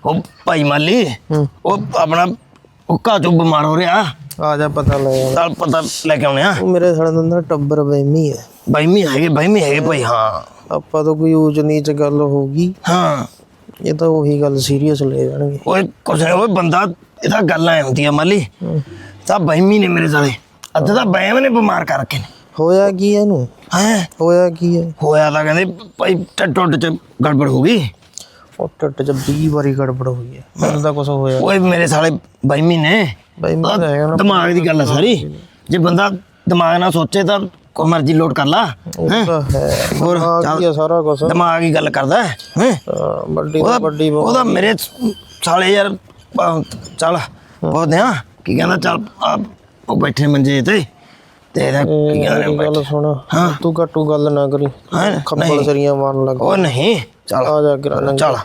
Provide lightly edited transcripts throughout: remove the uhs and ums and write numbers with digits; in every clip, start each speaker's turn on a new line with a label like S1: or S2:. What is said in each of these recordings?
S1: ਉਹ ਭਾਈ ਮਾਲੀ ਉਹ ਆਪਣਾ ਉੱਕਾ ਚੋਂ ਬਿਮਾਰ ਹੋ ਰਿਹਾ
S2: ਆ ਜਾ ਪਤਾ ਲੈ
S1: ਚੱਲ ਪਤਾ ਲੈ ਕੇ ਆਉਣੇ ਆ
S2: ਉਹ ਮੇਰੇ ਸਾਲੇ ਦਾ ਟੱਬਰ ਬਹਿਮੀ ਹੈ
S1: ਬਹਿਮੀ ਹੈਗੇ ਭਾਈ ਹਾਂ
S2: ਆਪਾਂ ਤਾਂ ਕੋਈ ਊਚ ਨੀਚ ਗੱਲ ਹੋਊਗੀ
S1: ਹਾਂ
S2: ਇਹ ਤਾਂ ਉਹੀ ਗੱਲ ਸੀਰੀਅਸ ਲੈ ਜਾਣਗੇ
S1: ਓਏ ਕੁਛ ਨਹੀਂ ਓਏ ਬੰਦਾ ਇਹਦਾ ਗੱਲਾਂ ਐ ਹੁੰਦੀਆਂ ਮਾਲੀ ਤਾਂ ਬਹਿਮੀ ਨੇ ਮੇਰੇ ਸਾਲੇ ਅੱਧ ਤਾਂ ਬਹਿਮ ਨੇ ਬਿਮਾਰ ਕਰ ਰੱਖੇ ਨੇ
S2: ਹੋਇਆ ਕੀ ਇਹਨੂੰ ਹੋਇਆ ਕੀ ਹੈ
S1: ਹੋਇਆ ਤਾਂ ਕਹਿੰਦੇ ਭਾਈ ਟੁੱਟ ਚ ਗੜਬੜ ਹੋ ਗਈ
S2: ਉਹ ਟੱਟ ਚ 20 ਵਾਰੀ ਗੜਬੜ ਹੋਈ ਹੈ ਮੈਨੂੰ ਤਾਂ ਕੁਛ ਹੋਇਆ
S1: ਓਏ ਮੇਰੇ ਸਾਲੇ ਬਹਿਮੀ ਨੇ ਦਿਮਾਗ ਦੀ ਗੱਲ ਆ ਸਾਰੀ ਜੇ ਬੰਦਾ ਦਿਮਾਗ ਨਾਲ ਸੋਚੇ ਤਾਂ ਕੋਈ ਮਰਜ਼ੀ ਲੋਡ ਕਰ ਲਾ ਹੋਰ
S2: ਸਾਰਾ ਕੁਛ
S1: ਦਿਮਾਗ ਹੀ ਗੱਲ ਕਰਦਾ
S2: ਵੱਡੀ
S1: ਉਹਦਾ ਮੇਰੇ ਸਾਲੇ ਯਾਰ ਚੱਲ ਪੁੱਛਦੇ ਆ ਕੀ ਕਹਿੰਦਾ ਚੱਲ ਉਹ ਬੈਠੇ ਮੰਜੇ ਤੇ ਇਹਦਾ ਕੀ ਕਹਿੰਦੇ
S2: ਗੱਲ ਸੁਣ ਤੂੰ ਘੱਟੂ ਗੱਲ ਨਾ ਕਰੀ ਖੱਪਲ ਸਰੀਆਂ ਮਾਰਨ ਲੱਗ
S1: ਉਹ ਨਹੀਂ ਚੱਲ
S2: ਆ ਜਾ ਕਿਰਾ
S1: ਚੱਲ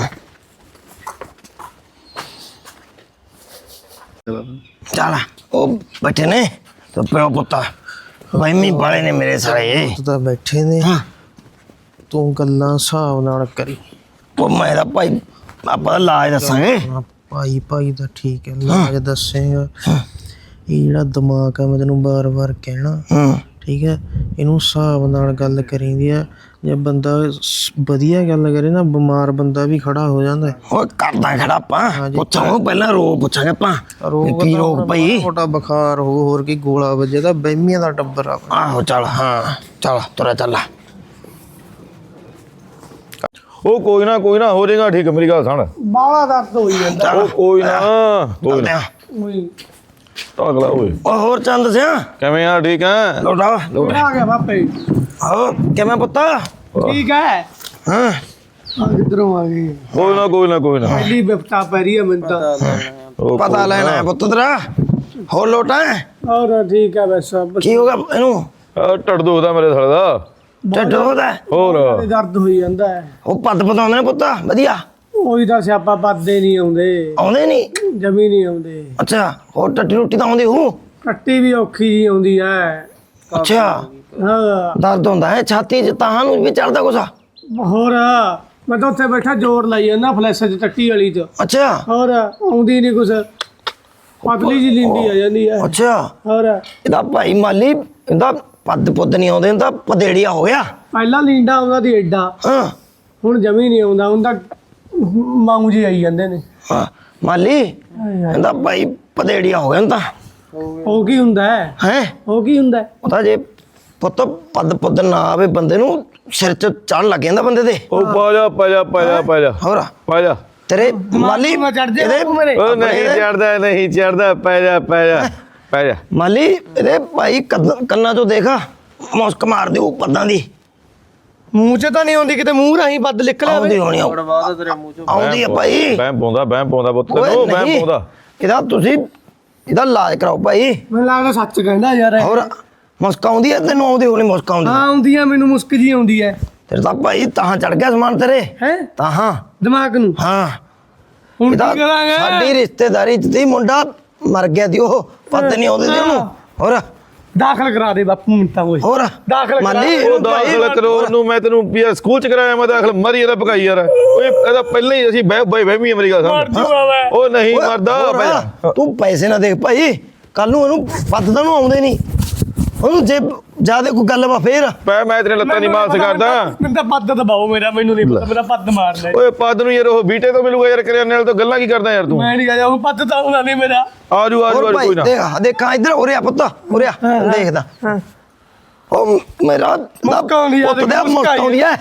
S1: ਚੱਲ ਉਹ ਬੈਠੇ ਨੇ ਤੇ ਪਿਓ ਪੁੱਤਾ ਬਹਿਮੀ ਵਾਲੇ ਨੇ ਮੇਰੇ ਸਾਰੇ
S2: ਤਾਂ ਬੈਠੇ ਨੇ ਤੂੰ ਗੱਲਾਂ ਹਿਸਾਬ ਨਾਲ ਕਰੀ
S1: ਉਹ ਮੇਰਾ ਭਾਈ ਆਪਾਂ ਇਲਾਜ ਦੱਸਾਂਗੇ
S2: ਭਾਈ ਦਾ ਠੀਕ ਹੈ ਇਲਾਜ ਦੱਸੇਗਾ ਇਹ ਜਿਹੜਾ ਦਿਮਾਗ ਆ ਮੈਂ ਤੈਨੂੰ ਬਾਰ-ਬਾਰ ਕਹਿਣਾ ਠੀਕ ਹੈ ਇਹਨੂੰ ਹਿਸਾਬ ਨਾਲ ਗੱਲ ਕਰੀਦੀ ਆ ਜੇ ਬੰਦਾ ਵਧੀਆ ਗੱਲ ਕਰੇ ਨਾ ਬਿਮਾਰ ਬੰਦਾ ਵੀ ਖੜਾ ਹੋ ਜਾਂਦਾ
S1: ਉਹ ਕਰਦਾ ਖੜਾ ਆਪਾਂ ਪੁੱਛਾਂਗੇ ਪਹਿਲਾਂ ਰੋਗ ਪੁੱਛਾਂਗੇ ਆਪਾਂ ਕੀ ਰੋਗ ਭਾਈ
S2: ਛੋਟਾ ਬੁਖਾਰ ਹੋ ਹੋਰ ਕੀ ਗੋਲਾ ਵੱਜੇ ਤਾਂ ਬਹਿਮੀਆਂ ਦਾ ਟੱਬਰ ਆ
S1: ਆਹੋ ਚੱਲ ਹਾਂ ਚੱਲ ਤੁਰਿਆ ਚੱਲ
S3: ਉਹ ਕੋਈ ਨਾ ਹੋ ਜਾਏਗਾ ਠੀਕ ਮੇਰੀ ਗੱਲ ਸੁਣ
S2: ਬਾਲਾ ਦਰਦ ਹੋਈ ਜਾਂਦਾ
S3: ਉਹ ਕੋਈ ਨਾ ਅਗਲਾ ਓਏ
S1: ਉਹ ਹੋਰ ਚੰਦ ਸਿਆ
S3: ਕਿਵੇਂ ਆ ਠੀਕ ਆ
S1: ਲੋਟਾ
S2: ਆ ਗਿਆ ਬਾਪੇ
S1: ਆਹੋ ਕਿਵੇਂ ਪੁੱਤ
S2: ਠੀਕ ਹੈ
S1: ਹਾਂ
S2: ਕਿੱਧਰੋਂ ਆ ਗਈ
S3: ਕੋਈ ਨਾ
S2: ਪਹਿਲੀ ਬਿਪਤਾ ਪੈ ਰਹੀ ਹੈ ਮੈਨੂੰ ਤਾਂ
S1: ਪਤਾ ਲੈਣਾ ਪੁੱਤ ਤੇਰਾ ਹੋਰ ਲੋਟਾ
S2: ਹੋਰ ਠੀਕ ਹੈ ਬਸ
S1: ਕੀ ਹੋ ਗਿਆ ਇਹਨੂੰ
S3: ਟੱਟ ਦੁਖਦਾ ਮੇਰੇ ਸਾਲੇ ਦਾ
S1: ਢਿੱਡ ਉਹਦਾ
S3: ਹੋਰ
S2: ਦਰਦ ਹੋਈ ਜਾਂਦਾ ਹੈ
S1: ਉਹ ਪੱਦ ਪਤਾਉਂਦੇ ਨੇ ਪੁੱਤ ਵਧੀਆ
S2: ਉਹੀ ਤਾਂ ਸਿਆਪਾ ਪੱਦੇ ਨਹੀਂ
S1: ਆਉਂਦੇ ਨਹੀਂ
S2: ਜਮੀ ਨਹੀਂ ਆਉਂਦੇ
S1: ਅੱਛਾ ਹੋਰ ਟੱਟੀ ਰੋਟੀ ਤਾਂ ਆਉਂਦੀ ਹੂ
S2: ਕੱਟੀ ਵੀ ਔਖੀ ਜੀ ਆਉਂਦੀ ਹੈ
S1: ਅੱਛਾ
S2: ਹਾਂ
S1: ਦਰਦ ਹੁੰਦਾ ਹੈ ਛਾਤੀ 'ਚ ਤਾਂ ਨੂੰ ਵੀ ਚੜਦਾ ਕੁਛ
S2: ਹੋਰ ਮੈਂ ਤਾਂ ਉੱਥੇ ਬੈਠਾ ਜ਼ੋਰ ਲਾਈ ਜਾਂਦਾ ਫਲੈਸ਼ 'ਚ ਟੱਟੀ ਵਾਲੀ 'ਚ
S1: ਅੱਛਾ
S2: ਹੋਰ ਆਉਂਦੀ ਨਹੀਂ ਕੁਛ ਪਤਲੀ ਜੀ ਲਿੰਦੀ ਆ ਜਾਂਦੀ ਹੈ
S1: ਅੱਛਾ
S2: ਹੋਰ
S1: ਇਹਦਾ ਭਾਈ ਮਾਲੀ ਇਹਦਾ ਪੱਦ ਪੁੱਦ ਨਹੀਂ ਆਉਂਦੇ ਇਹਦਾ ਪਦੇੜੀਆ ਹੋ ਗਿਆ
S2: ਪਹਿਲਾਂ ਲੀਂਡਾ ਆਉਂਦਾ ਦੀ ਐਡਾ
S1: ਹਾਂ
S2: ਹੁਣ ਜਮੀ ਨਹੀਂ ਆਉਂਦਾ ਹੁਣ ਤਾਂ ਮਾਊ ਜੀ ਆਈ ਜਾਂਦੇ ਨੇ
S1: ਹਾਂ ਮਾਲੀ ਇਹਦਾ ਭਾਈ ਪਦੇੜੀਆ ਹੋ ਗਿਆ ਤਾਂ
S2: ਉਹ ਕੀ ਹੁੰਦਾ ਹੈ ਉਹ ਕੀ ਹੁੰਦਾ
S1: ਉਹਦਾ ਜੇ ਪੁੱਤ ਪੱਦ ਪੁੱਦ ਨਾ ਆਵੇ ਬੰਦੇ ਨੂੰ ਸਿਰ 'ਚ ਚੜ ਲੱਗ ਜਾਂਦਾ ਬੰਦੇ ਦੇ
S3: ਉਹ ਪਾ ਜਾ
S1: ਹੋਰ
S3: ਪਾ ਜਾ
S1: ਤੇਰੇ ਮਾਲੀ
S2: ਇਹਦੇ
S3: ਉਹ ਨਹੀਂ ਚੜਦਾ ਪੈ ਜਾ
S1: ਮਾਲੀ ਇਹਦੇ ਭਾਈ ਕੰਨਾਂ 'ਚੋਂ ਦੇਖ ਮੁਸਕ ਮਾਰ ਦਿਓ ਪੱਦਾਂ ਦੀ
S2: ਮੂੰਹ 'ਚ ਤਾਂ ਨਹੀਂ ਆਉਂਦੀ ਕਿਤੇ ਮੂੰਹ ਰਾਹੀਂ ਬੱਦ ਨਿਕਲਿਆ
S1: ਆਉਂਦੀ ਹੋਣੀ ਆਉਂਦੀ ਆ ਭਾਈ
S3: ਬਹਿਮ ਪਾਉਂਦਾ ਪੁੱਤ ਤੈਨੂੰ ਬਹਿਮ ਪਾਉਂਦਾ
S1: ਇਹਦਾ ਤੁਸੀਂ ਇਹਦਾ ਇਲਾਜ ਕਰਾਓ ਭਾਈ
S2: ਮੈਨੂੰ ਲੱਗਦਾ ਸੱਚ ਕਹਿੰਦਾ ਯਾਰ
S1: ਹੋਰ ਮੁਸਕ ਆਉਂਦੀ ਹੈ ਤੈਨੂੰ ਆਉਂਦੀ ਹੋਣੀ ਮੁਸਕ ਆਉਂਦੀ
S2: ਹਾਂ ਆਉਂਦੀ ਆ ਮੈਨੂੰ ਮੁਸਕ ਜੀ ਆਉਂਦੀ ਹੈ
S1: ਤੇਰੇ ਤਾਂ ਭਾਈ ਤਾਂ ਚੜ ਗਿਆ ਸਮਾਨ ਤੇਰੇ ਤਾਂ ਹਾਂ
S2: ਦਿਮਾਗ ਨੂੰ
S1: ਹਾਂ
S2: ਹੁਣ ਕੀ ਕਰਾਂਗੇ
S1: ਸਾਡੀ ਰਿਸ਼ਤੇਦਾਰੀ 'ਚ ਦੀ ਮੁੰਡਾ ਮਰ ਗਿਆ ਦੀ ਉਹ ਪੱਦ ਨਹੀਂ ਆਉਂਦੇ ਸੀ ਉਹਨੂੰ ਹੋਰ
S2: ਦਾਖਲ ਕਰਾ ਦੇ ਬਾਪੂ ਮਿੰਟਾਂ ਓਏ
S1: ਹੋਰ
S2: ਦਾਖਲ
S1: ਮਾਲੀ
S3: ਉਹ ਦਾਖਲ ਕਰੋ ਉਹਨੂੰ ਮੈਂ ਤੈਨੂੰ ਯਾਰ ਸਕੂਲ ਚ ਕਰਾਇਆ ਮੈਂ ਦਾਖਲ ਮਰੀ ਇਹਦਾ ਭਗਾਈ ਯਾਰ ਓਏ ਇਹਦਾ ਪਹਿਲਾਂ ਹੀ ਅਸੀਂ ਬਹਿਮੀ ਮੇਰੀ ਗੱਲ ਸਮਝ ਉਹ ਨਹੀਂ ਮਰਦਾ
S1: ਤੂੰ ਪੈਸੇ ਨਾ ਦੇਖ ਭਾਈ ਕੱਲ ਨੂੰ ਉਹਨੂੰ ਪੱਦ ਤਾਂ ਨੂੰ ਆਉਂਦੇ ਨਹੀਂ ਉਹਨੂੰ ਜੇ ਜਿਆਦਾ ਕੋਈ ਗੱਲ ਵਾ ਫੇਰ
S3: ਮੈਂ ਤੇਰੇ ਲੱਤਾਂ ਨਹੀਂ ਮਾਲਸ ਕਰਦਾ
S2: ਮੈਨੂੰ ਤਾਂ ਪੱਦ ਦਬਾਓ ਮੈਨੂੰ ਨਹੀਂ ਪਤਾ ਮੇਰਾ ਪੱਦ ਮਾਰਨਾ
S3: ਓਏ ਪੱਦ ਨੂੰ ਯਾਰ ਉਹ ਬੀਟੇ ਤੋਂ ਮਿਲੂਗਾ ਯਾਰ ਕਰਿਆ ਨਾਲ ਤੋਂ ਗੱਲਾਂ ਕੀ ਕਰਦਾ ਯਾਰ ਤੂੰ
S2: ਮੈਂ ਨਹੀਂ ਗਿਆ ਉਹ ਪੱਦ ਤਾਂ ਆਉਣਾ ਨਹੀਂ ਮੇਰਾ
S3: ਆਜੂ ਕੋਈ ਨਾ
S1: ਦੇਖਾਂ ਇੱਧਰ ਉਰਿਆ ਪੁੱਤ ਉਰਿਆ ਦੇਖਦਾ ਉਹ ਮੇਰਾ ਪੁੱਤ ਦਾ ਮੁਸਕਾਉਂਦੀ ਹੈ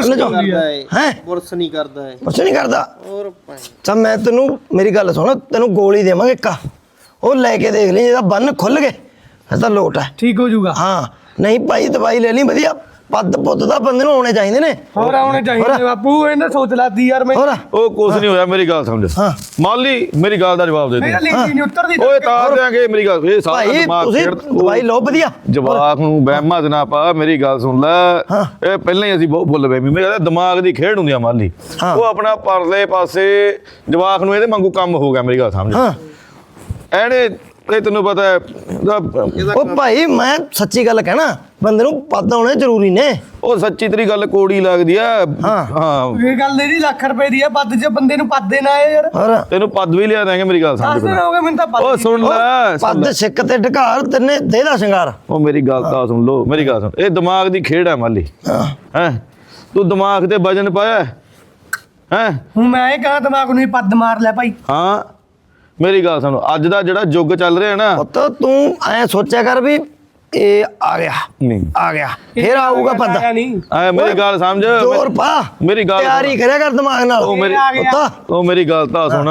S2: ਬੁਰਸ ਨਹੀਂ ਕਰਦਾ ਹੈ
S1: ਕੁਛ ਨਹੀਂ ਕਰਦਾ ਤਾਂ ਮੈਂ ਤੈਨੂੰ ਮੇਰੀ ਗੱਲ ਸੁਣ ਤੈਨੂੰ ਗੋਲੀ ਦੇਵਾਂਗੇ ਇੱਕ ਉਹ ਲੈ ਕੇ ਦੇਖ ਲਈ ਜਿਹਦਾ ਬੰਨ ਖੁੱਲ ਗਏ ਫਿਰ ਤਾਂ ਲੋਟ ਹੈ
S2: ਠੀਕ ਹੋ ਜਾਊਗਾ
S1: ਹਾਂ ਨਹੀਂ ਭਾਈ ਦਵਾਈ ਲੈ ਲਈ ਵਧੀਆ ਪੱਦ ਪੁੱਤ ਦਾ ਬੰਦੇ ਨੂੰ ਆਉਣੇ ਚਾਹੀਦੇ ਨੇ
S2: ਹੋਰ ਆਉਣੇ ਚਾਹੀਦੇ ਬਾਪੂ ਇਹਨਾਂ ਸੋਚ ਲਾਦੀ ਯਾਰ ਮੈਂ
S3: ਉਹ ਕੁਛ ਨਹੀਂ ਹੋਇਆ ਮੇਰੀ ਗੱਲ ਸਮਝ ਮਾਲੀ ਮੇਰੀ ਗੱਲ ਦਾ ਜਵਾਬ ਦੇ ਦੇ
S2: ਨਹੀਂ ਉਤਰਦੀ
S3: ਓਏ ਤਾਰ ਦਿਆਂਗੇ ਮੇਰੀ ਗੱਲ ਇਹ ਸਾਰਾ ਦਿਮਾਗ
S1: ਤੁਸੀਂ ਦਵਾਈ ਲਓ ਵਧੀਆ
S3: ਜਵਾਕ ਨੂੰ ਵਹਿਮਾਂ ਚ ਨਾ ਪਾ ਮੇਰੀ ਗੱਲ ਸੁਣ ਲੈ ਇਹ ਪਹਿਲਾਂ ਹੀ ਅਸੀਂ ਬਹੁਤ ਭੁੱਲ ਬੈਮੀ ਮੇਰਾ ਦਿਮਾਗ ਦੀ ਖੇਡ ਹੁੰਦੀ ਆ ਮਾਲੀ ਉਹ ਆਪਣਾ ਪਰਲੇ ਪਾਸੇ ਜਵਾਕ ਨੂੰ ਇਹਦੇ ਵਾਂਗੂ ਕੰਮ ਹੋ ਗਿਆ ਮੇਰੀ ਗੱਲ ਸਮਝ ਐਨੇ ਇਹ ਤੈਨੂੰ ਪਤਾ ਹੈ
S1: ਉਹ ਭਾਈ ਮੈਂ ਸੱਚੀ ਗੱਲ ਕਹਿਣਾ, ਬੰਦੇ ਨੂੰ ਪੱਦ ਹੋਣੇ ਜ਼ਰੂਰੀ ਨੇ।
S3: ਉਹ ਸੱਚੀ ਤੇਰੀ ਗੱਲ ਕੋੜੀ ਲੱਗਦੀ ਆ। ਹਾਂ
S2: ਇਹ ਗੱਲ ਨਹੀਂ ਲੱਖ ਰੁਪਏ ਦੀ ਆ, ਪੱਦ ਚ ਬੰਦੇ ਨੂੰ ਪੱਦ ਦੇਣਾ ਹੈ ਯਾਰ।
S1: ਹੋਰ
S3: ਤੈਨੂੰ ਪੱਦ ਵੀ ਲਿਆ ਦਾਂਗੇ, ਮੇਰੀ ਗੱਲ ਸਮਝ।
S2: 10 ਦਿਨ ਹੋ ਗਏ ਮੈਨੂੰ ਤਾਂ ਪੱਦ
S3: ਉਹ ਸੁਣ ਲੈ
S1: ਪੱਦ ਸਿੱਕ ਤੇ ਢਕਾਰ ਤੈਨੇ ਦੇਦਾ ਸ਼ਿੰਗਾਰ।
S3: ਉਹ ਮੇਰੀ ਗੱਲ ਤਾਂ ਸੁਣ ਲੋ, ਮੇਰੀ ਗੱਲ ਸੁਣ। ਇਹ ਦਿਮਾਗ ਦੀ ਖੇਡ ਹੈ ਮਾਲੀ। ਹੈ ਤੂੰ ਦਿਮਾਗ ਤੇ ਵਜਨ ਪਾਇਆ ਹੈ।
S2: ਹੁਣ ਮੈਂ ਇਹ ਕਹਾਂ ਦਿਮਾਗ ਨੂੰ ਹੀ ਪੱਦ ਮਾਰ ਲੈ ਭਾਈ।
S3: ਹਾਂ ਮੇਰੀ ਗੱਲ ਸੁਣ, ਅੱਜ ਦਾ ਜਿਹੜਾ ਯੁੱਗ ਚੱਲ ਰਿਹਾ ਨਾ,
S1: ਪੁੱਤ ਤੂੰ ਐ ਸੋਚਿਆ ਕਰ ਵੀ ਇਹ ਆ ਗਿਆ
S3: ਨਹੀਂ
S1: ਆ ਗਿਆ ਫੇਰ ਆਊਗਾ ਪੱਦ।
S2: ਨਹੀਂ
S3: ਐ ਮੇਰੀ ਗੱਲ ਸਮਝ,
S1: ਜ਼ੋਰ ਪਾ,
S3: ਮੇਰੀ ਗੱਲ
S1: ਤਿਆਰੀ ਕਰਿਆ ਕਰ ਦਿਮਾਗ ਨਾਲ।
S3: ਉਹ ਮੇਰੀ
S1: ਪੁੱਤ
S3: ਉਹ ਮੇਰੀ ਗੱਲ ਤਾਂ ਸੁਣ।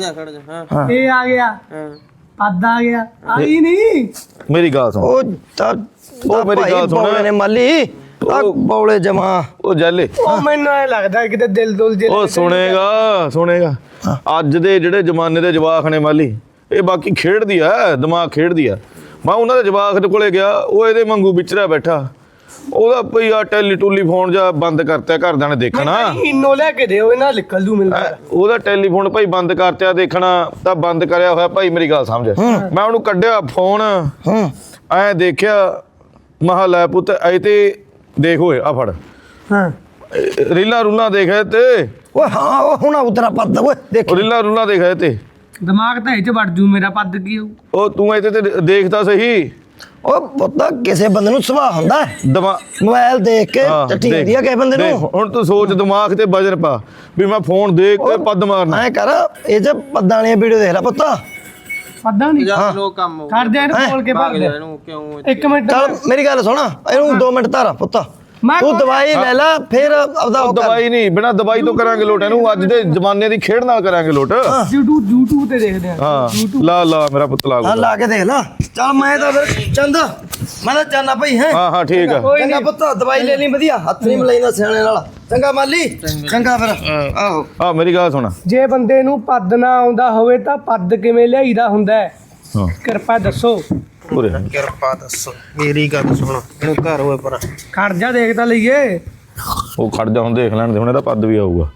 S2: ਇਹ ਆ ਗਿਆ ਪੱਦ ਆ ਗਿਆ, ਆਈ ਨਹੀਂ।
S3: ਮੇਰੀ ਗੱਲ ਸੁਣ।
S1: ਉਹ ਤਾਂ
S3: ਉਹ ਮੇਰੀ ਗੱਲ ਸੁਣ।
S1: ਬੌਲੇ ਨੇ ਮਾਲੀ ਆ ਬੌਲੇ ਜਮਾ।
S3: ਉਹ ਜੈਲੇ
S2: ਉਹ ਮੈਨੂੰ ਐ ਲੱਗਦਾ ਕਿਤੇ ਦਿਲ ਦੁਲ ਜੇ
S3: ਉਹ ਸੁਣੇਗਾ ਅੱਜ ਦੇ ਜਿਹੜੇ ਜ਼ਮਾਨੇ ਦੇ ਜਵਾਕ ਨੇ ਮਾਲੀ, ਇਹ ਬਾਕੀ ਖੇਡਦੀ ਆ, ਦਿਮਾਗ ਖੇਡਦੀ ਆ। ਮੈਂ ਉਹਨਾਂ ਦੇ ਜਵਾਕ ਦੇ ਕੋਲੇ ਗਿਆ, ਉਹ ਇਹਦੇ ਵਾਂਗੂ ਵਿਚਰਿਆ ਬੈਠਾ। ਉਹਦਾ ਭਈ ਆ ਟੈਲੀਫੋਨ ਜਾਂ ਬੰਦ ਕਰਤਿਆ, ਘਰਦਿਆਂ ਨੇ ਦੇਖਣਾ।
S2: ਇਨੋ ਲੈ ਕੇ ਦਿਓ, ਇਹਨਾਂ ਨਿਕਲ ਜੂ ਮਿਲਦਾ।
S3: ਉਹਦਾ ਟੈਲੀਫੋਨ ਭਾਈ ਬੰਦ ਕਰਤਿਆ, ਦੇਖਣਾ ਤਾਂ ਬੰਦ ਕਰਿਆ ਹੋਇਆ ਭਾਈ। ਮੇਰੀ ਗੱਲ ਸਮਝ, ਮੈਂ ਉਹਨੂੰ ਕੱਢਿਆ ਫੋਨ, ਐ ਦੇਖਿਆ, ਮਹਾ ਲੈ ਪੁੱਤ ਐ ਤੇ ਦੇਖ ਓਏ ਆ ਫੜ
S2: ਹਾਂ
S3: ਰੀਲਾਂ ਰੂਲਾਂ ਦੇਖਿਆ ਤੇ
S1: ਓਏ ਹਾਂ ਉਹ ਹੁਣ ਉਤਰਾ ਪੱਦ ਓਏ ਦੇਖ।
S3: ਉਹ ਰੀਲਾਂ ਰੂਲਾਂ ਦੇਖਿਆ ਤੇ
S2: ਦਿਮਾਗ ਤਾਂ ਇਹ ਚ ਵੜ ਜੂ ਮੇਰਾ, ਪੱਦ ਕੀ ਹੋਊ।
S3: ਉਹ ਤੂੰ ਇੱਥੇ ਤੇ ਦੇਖਦਾ ਸਹੀ।
S1: ਉਹ ਪੁੱਤ ਕਿਸੇ ਬੰਦੇ ਨੂੰ ਸੁਭਾਅ ਹੁੰਦਾ ਹੈ,
S3: ਦਿਮਾਗ
S1: ਮੋਬਾਈਲ ਦੇਖ ਕੇ ਚੱਟੀ ਹੁੰਦੀ ਆ ਕਿਸੇ ਬੰਦੇ ਨੂੰ।
S3: ਹੁਣ ਤੂੰ ਸੋਚ, ਦਿਮਾਗ ਤੇ ਵਜਨ ਪਾ ਵੀ ਮੈਂ ਫੋਨ ਦੇਖ ਕੇ ਪੱਦ ਮਾਰਨਾ।
S1: ਐ ਕਰ ਇਹ ਚ ਪੱਦਾਂ ਵਾਲੀਆਂ ਵੀਡੀਓ ਦੇਖ ਲੈ ਪੁੱਤ।
S2: ਪੱਦਾਂ ਨਹੀਂ
S4: ਲੋਕ ਕੰਮ ਹੋ
S2: ਕਰ ਦੇ ਇਹਨੂੰ ਬੋਲ ਕੇ ਭੱਗ ਜਾ।
S4: ਇਹਨੂੰ ਕਿਉਂ
S2: 1 ਮਿੰਟ
S1: ਚੱਲ ਮੇਰੀ ਗੱਲ ਸੁਣ, ਇਹਨੂੰ 2 ਮਿੰਟ ਧਾਰ ਪੁੱਤ।
S2: ਮੈਂ
S1: ਤੂੰ ਦਵਾਈ ਲੈ ਲੈ ਫਿਰ ਆਪਦਾ
S3: ਉਹ ਦਵਾਈ ਨਹੀਂ, ਬਿਨਾਂ ਦਵਾਈ ਤੋਂ ਕਰਾਂਗੇ ਲੋਟ ਇਹਨੂੰ। ਅੱਜ ਦੇ ਜ਼ਮਾਨੇ ਦੀ ਖੇਡ ਨਾਲ ਕਰਾਂਗੇ ਲੋਟ।
S2: YouTube ਤੇ ਦੇਖਦੇ ਆ।
S3: ਹਾਂ ਲਾ ਮੇਰਾ ਪੁੱਤ ਲਾ
S1: ਹਾਂ ਲਾ ਕੇ ਦੇਖ ਲੈ। ਚੱਲ ਮੈਂ ਤਾਂ ਫਿਰ ਚੰਦ ਮੈਂ ਤਾਂ ਜਾਣਾ ਭਾਈ ਹੈ।
S3: ਹਾਂ ਠੀਕ ਆ।
S1: ਚੰਗਾ ਪੁੱਤ ਦਵਾਈ ਲੈ ਲਈ ਵਧੀਆ, ਹੱਥ ਨਹੀਂ ਮਲਾਈਦਾ ਸਿਆਣੇ ਨਾਲ। ਚੰਗਾ ਮਾਲੀ, ਚੰਗਾ ਫਿਰ। ਆਹੋ
S3: ਆ ਮੇਰੀ ਗੱਲ ਸੁਣ।
S2: ਜੇ ਬੰਦੇ ਨੂੰ ਪੱਦ ਨਾ ਆਉਂਦਾ ਹੋਵੇ ਤਾਂ ਪੱਦ ਕਿਵੇਂ ਲਿਆਈਦਾ ਹੁੰਦਾ ਹੈ?
S3: ਹਾਂ
S2: ਕਿਰਪਾ ਦੱਸੋ।
S3: ਪੂਰੇ
S2: ਕਿਰਪਾ ਦੱਸੋ, ਮੇਰੀ ਗੱਲ ਸੁਣ। ਇਹਨੂੰ ਘਰ ਹੋਏ ਪਰ ਖੜ ਜਾ, ਦੇਖ ਤਾਂ ਲਈਏ।
S3: ਉਹ ਖੜ ਜਾ, ਹੁਣ ਦੇਖ ਲੈਣ ਦੇ, ਹੁਣ ਇਹਦਾ ਪੱਦ ਵੀ ਆਊਗਾ।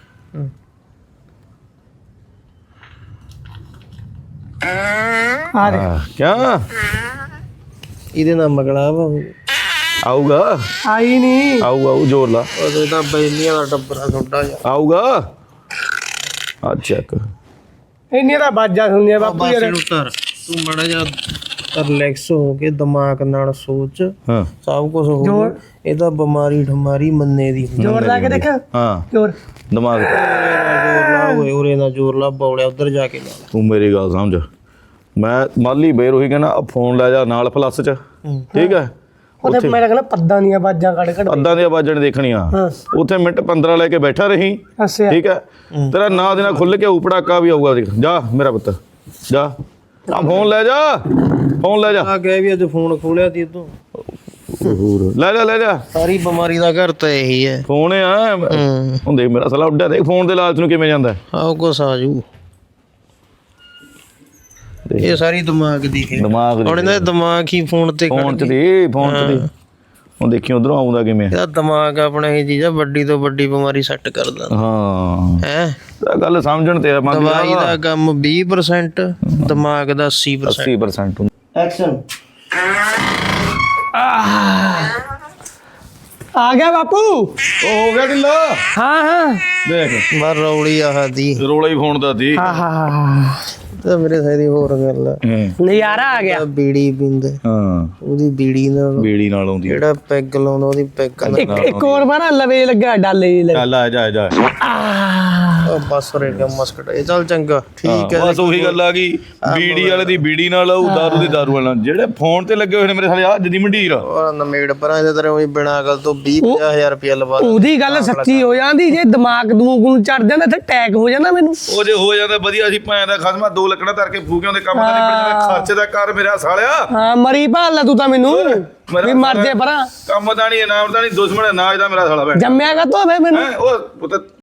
S2: ਆ ਦੇ
S3: ਕਿਆ
S2: ਇਹਦੇ ਨਾਲ ਮਗਲਾ ਵਾ
S3: ਆਊਗਾ?
S2: ਆਈ ਨਹੀਂ।
S3: ਆਊ ਜ਼ੋਰ ਲਾ।
S2: ਉਹਦੇ ਤਾਂ ਬੈਲੀਆਂ ਦਾ ਟੱਬਰਾ ਛੋਟਾ ਜਿਹਾ।
S3: ਆਊਗਾ ਆ ਚੈੱਕ।
S2: ਇੰਨੀਆਂ ਤਾਂ ਬਾਜਾਂ ਹੁੰਦੀਆਂ ਬਾਪੂ ਯਾਰ।
S4: ਧਰ ਤੂੰ ਮੜਾ ਜਾ ਰਿਲੈਕਸ ਹੋ ਕੇ ਦਿਮਾਗ ਨਾਲ ਸੋਚ,
S3: ਹਾਂ
S4: ਸਭ ਕੁਝ ਹੋ। ਇਹਦਾ ਬਿਮਾਰੀ ਠਮਾਰੀ ਮੰਨੇ ਦੀ ਹੁੰਦੀ।
S2: ਜ਼ੋਰ ਲਾ ਕੇ ਦੇਖ।
S3: ਹਾਂ
S2: ਜ਼ੋਰ
S3: ਦਿਮਾਗ ਤੇ।
S4: ਜ਼ੋਰ ਲਾ ਓਏ, ਉਰੇ ਨਾ ਜ਼ੋਰ ਲਾ, ਬੌਲਿਆ ਉਧਰ ਜਾ ਕੇ ਲਾ।
S3: ਤੂੰ ਮੇਰੀ ਗੱਲ ਸਮਝ, ਮੈਂ ਮਾਲੀ ਬੇਰ ਉਹੀ ਕਹਿੰਦਾ, ਫੋਨ ਲੈ ਜਾ ਨਾਲ ਪਲੱਸ ਚ, ਠੀਕ ਹੈ।
S2: ਉਹਦੇ ਮੇਰਾ ਕਹਿੰਦਾ ਪੱਦਾਂ ਦੀਆਂ ਬਾਜਾਂ ਕੱਢ ਕੱਢ
S3: ਅੱਦਾਂ ਦੀਆਂ ਆਵਾਜ਼ਾਂ ਦੇਖਣੀਆਂ। ਉੱਥੇ ਮਿੰਟ 15 ਲੈ ਕੇ ਬੈਠਾ ਰਹੀ,
S2: ਹੱਸਿਆ।
S3: ਠੀਕ ਹੈ। ਤੇਰਾ ਨਾਂ ਦੇ ਨਾਲ ਖੁੱਲ ਕੇ ਉਪੜਾਕਾ ਵੀ ਆਊਗਾ। ਦੇਖ ਜਾ ਮੇਰਾ ਪੁੱਤ, ਜਾ ਆ ਫੋਨ ਲੈ ਜਾ, ਫੋਨ ਲੈ ਜਾ।
S4: ਆ ਗਿਆ ਵੀ ਅੱਜ ਫੋਨ ਖੋਲਿਆ ਤੀ ਤੂੰ।
S3: ਲੈ ਜਾ
S4: ਸਾਰੀ ਬਿਮਾਰੀ ਦਾ ਘਰ ਤਾਂ ਇਹੀ ਹੈ।
S3: ਫੋਨ ਆ। ਹੁਣ ਦੇਖ ਮੇਰਾ ਸਾਲਾ ਉੱਡਿਆ, ਦੇਖ ਫੋਨ ਦੇ ਲਾਲਚ ਨੂੰ ਕਿਵੇਂ ਜਾਂਦਾ।
S4: ਆਓ ਕੁਛ ਆ ਜੂ। ਇਹ ਸਾਰੀ ਦਿਮਾਗ ਦੀ ਖੇਡ।
S3: ਦਿਮਾਗ
S4: ਹੁਣ ਇਹਦਾ ਦਿਮਾਗ ਹੀ ਫੋਨ ਤੇ
S3: ਫੋਨ ਚ ਦੀ ਹੁਣ ਦੇਖੀ ਉਧਰੋਂ ਆਉਂਦਾ ਕਿਵੇਂ।
S4: ਇਹਦਾ ਦਿਮਾਗ ਆਪਣਾ ਇਹ ਚੀਜ਼ ਆ, ਵੱਡੀ ਤੋਂ ਵੱਡੀ ਬਿਮਾਰੀ ਸੈੱਟ ਕਰਦਾ
S3: ਹਾਂ
S4: ਹੈ।
S3: ਤਾਂ ਗੱਲ ਸਮਝਣ ਤੇ
S4: ਦਵਾਈ ਦਾ ਕੰਮ 20%, ਦਿਮਾਗ ਦਾ 80%।
S3: 80% ਹੁੰਦਾ।
S2: ਐਕਸ਼ਨ। ਆ ਗਿਆ ਬਾਪੂ।
S3: ਉਹ ਹੋ ਗਿਆ ਢਿੱਲਾ।
S2: ਹਾਂ ਹਾਂ
S3: ਦੇਖ
S4: ਮਰ ਰੌਲੀ ਆਹ ਦੀ
S3: ਰੋਲਾ ਹੀ ਫੋਨ ਦਾ ਦੀ।
S2: ਹਾਂ
S4: ਤਾਂ ਮੇਰੇ ਸਾਰੀ ਹੋਰ ਗੱਲ ਆ।
S2: ਨਜ਼ਾਰਾ ਆ ਗਿਆ।
S4: ਬੀੜੀ ਪੀਂਦੇ,
S3: ਹਾਂ
S4: ਉਹਦੀ ਬੀੜੀ ਨਾਲ
S3: ਬੀੜੀ ਨਾਲ ਆਉਂਦੀ ਹੈ।
S4: ਜਿਹੜਾ ਪੈਗ ਲਾਉਂਦਾ ਉਹਦੀ ਪੈਗ ਨਾਲ।
S2: ਇੱਕ ਹੋਰ ਬਾਰਾ ਲਵੇ ਲੱਗਾ ਡਾਲੇ
S3: ਚੱਲ ਆ ਜਾ
S4: ਬਸ ਰੇਗਾ ਮਸਕਟ। ਇਹ ਚੱਲ ਚੰਗਾ ਠੀਕ ਹੈ।
S3: ਬਸ ਉਹੀ ਗੱਲ ਆ ਗਈ, ਬੀੜੀ ਵਾਲੇ ਦੀ ਬੀੜੀ ਨਾਲ ਆਊ, ਦਾਰੂ ਦੀ ਦਾਰੂ ਨਾਲ। ਜਿਹੜੇ ਫੋਨ ਤੇ ਲੱਗੇ ਹੋਏ ਨੇ ਮੇਰੇ ਸਾਲੇ ਆ ਜਦੀ ਮੰਡੀਰ।
S4: ਉਹ ਨਮੇੜ ਪਰਾਂ ਇਹਦੇ ਤਰ੍ਹਾਂ ਉਹੀ ਬਿਨਾਂ ਗੱਲ ਤੋਂ 20-50 ਰੁਪਇਆ ਲਵਾ।
S2: ਉਹਦੀ ਗੱਲ ਸੱਚੀ ਹੋ ਜਾਂਦੀ। ਜੇ ਦਿਮਾਗ ਦਮੂਗ ਨੂੰ ਚੜ ਜਾਂਦਾ ਤੇ ਅਟੈਕ ਹੋ ਜਾਂਦਾ ਮੈਨੂੰ।
S3: ਉਹ ਜੇ ਹੋ ਜਾਂਦਾ ਵਧੀਆ ਸੀ, ਭੈਣ ਦਾ ਖਸਮਾ 2 ਲੱਕੜਾਂ ਧਰ ਕੇ ਫੂਕਿਆਂ ਦੇ ਕੰਮ ਦਾ ਨਹੀਂ ਬਣਦਾ। ਖਰਚੇ ਦਾ ਕਰ ਮੇਰਾ ਸਾਲਿਆ।
S2: ਹਾਂ ਮਰੀ ਭਾਲ ਲੈ ਤੂੰ ਤਾਂ ਮੈਨੂੰ ਵੀ ਮਰ ਜੇ ਪਰਾਂ।
S3: ਕੰਮ ਦਾ ਨਹੀਂ, ਇਨਾਮ ਦਾ ਨਹੀਂ, ਦੁਸ਼ਮਣ ਨਾਜ ਦਾ ਮੇਰਾ ਸਾਲਾ ਭੈਣ।
S2: ਜੰਮਿਆ ਕਾ ਤੋ ਮੈਨੂੰ।
S3: ਉਹ ਪੁੱਤ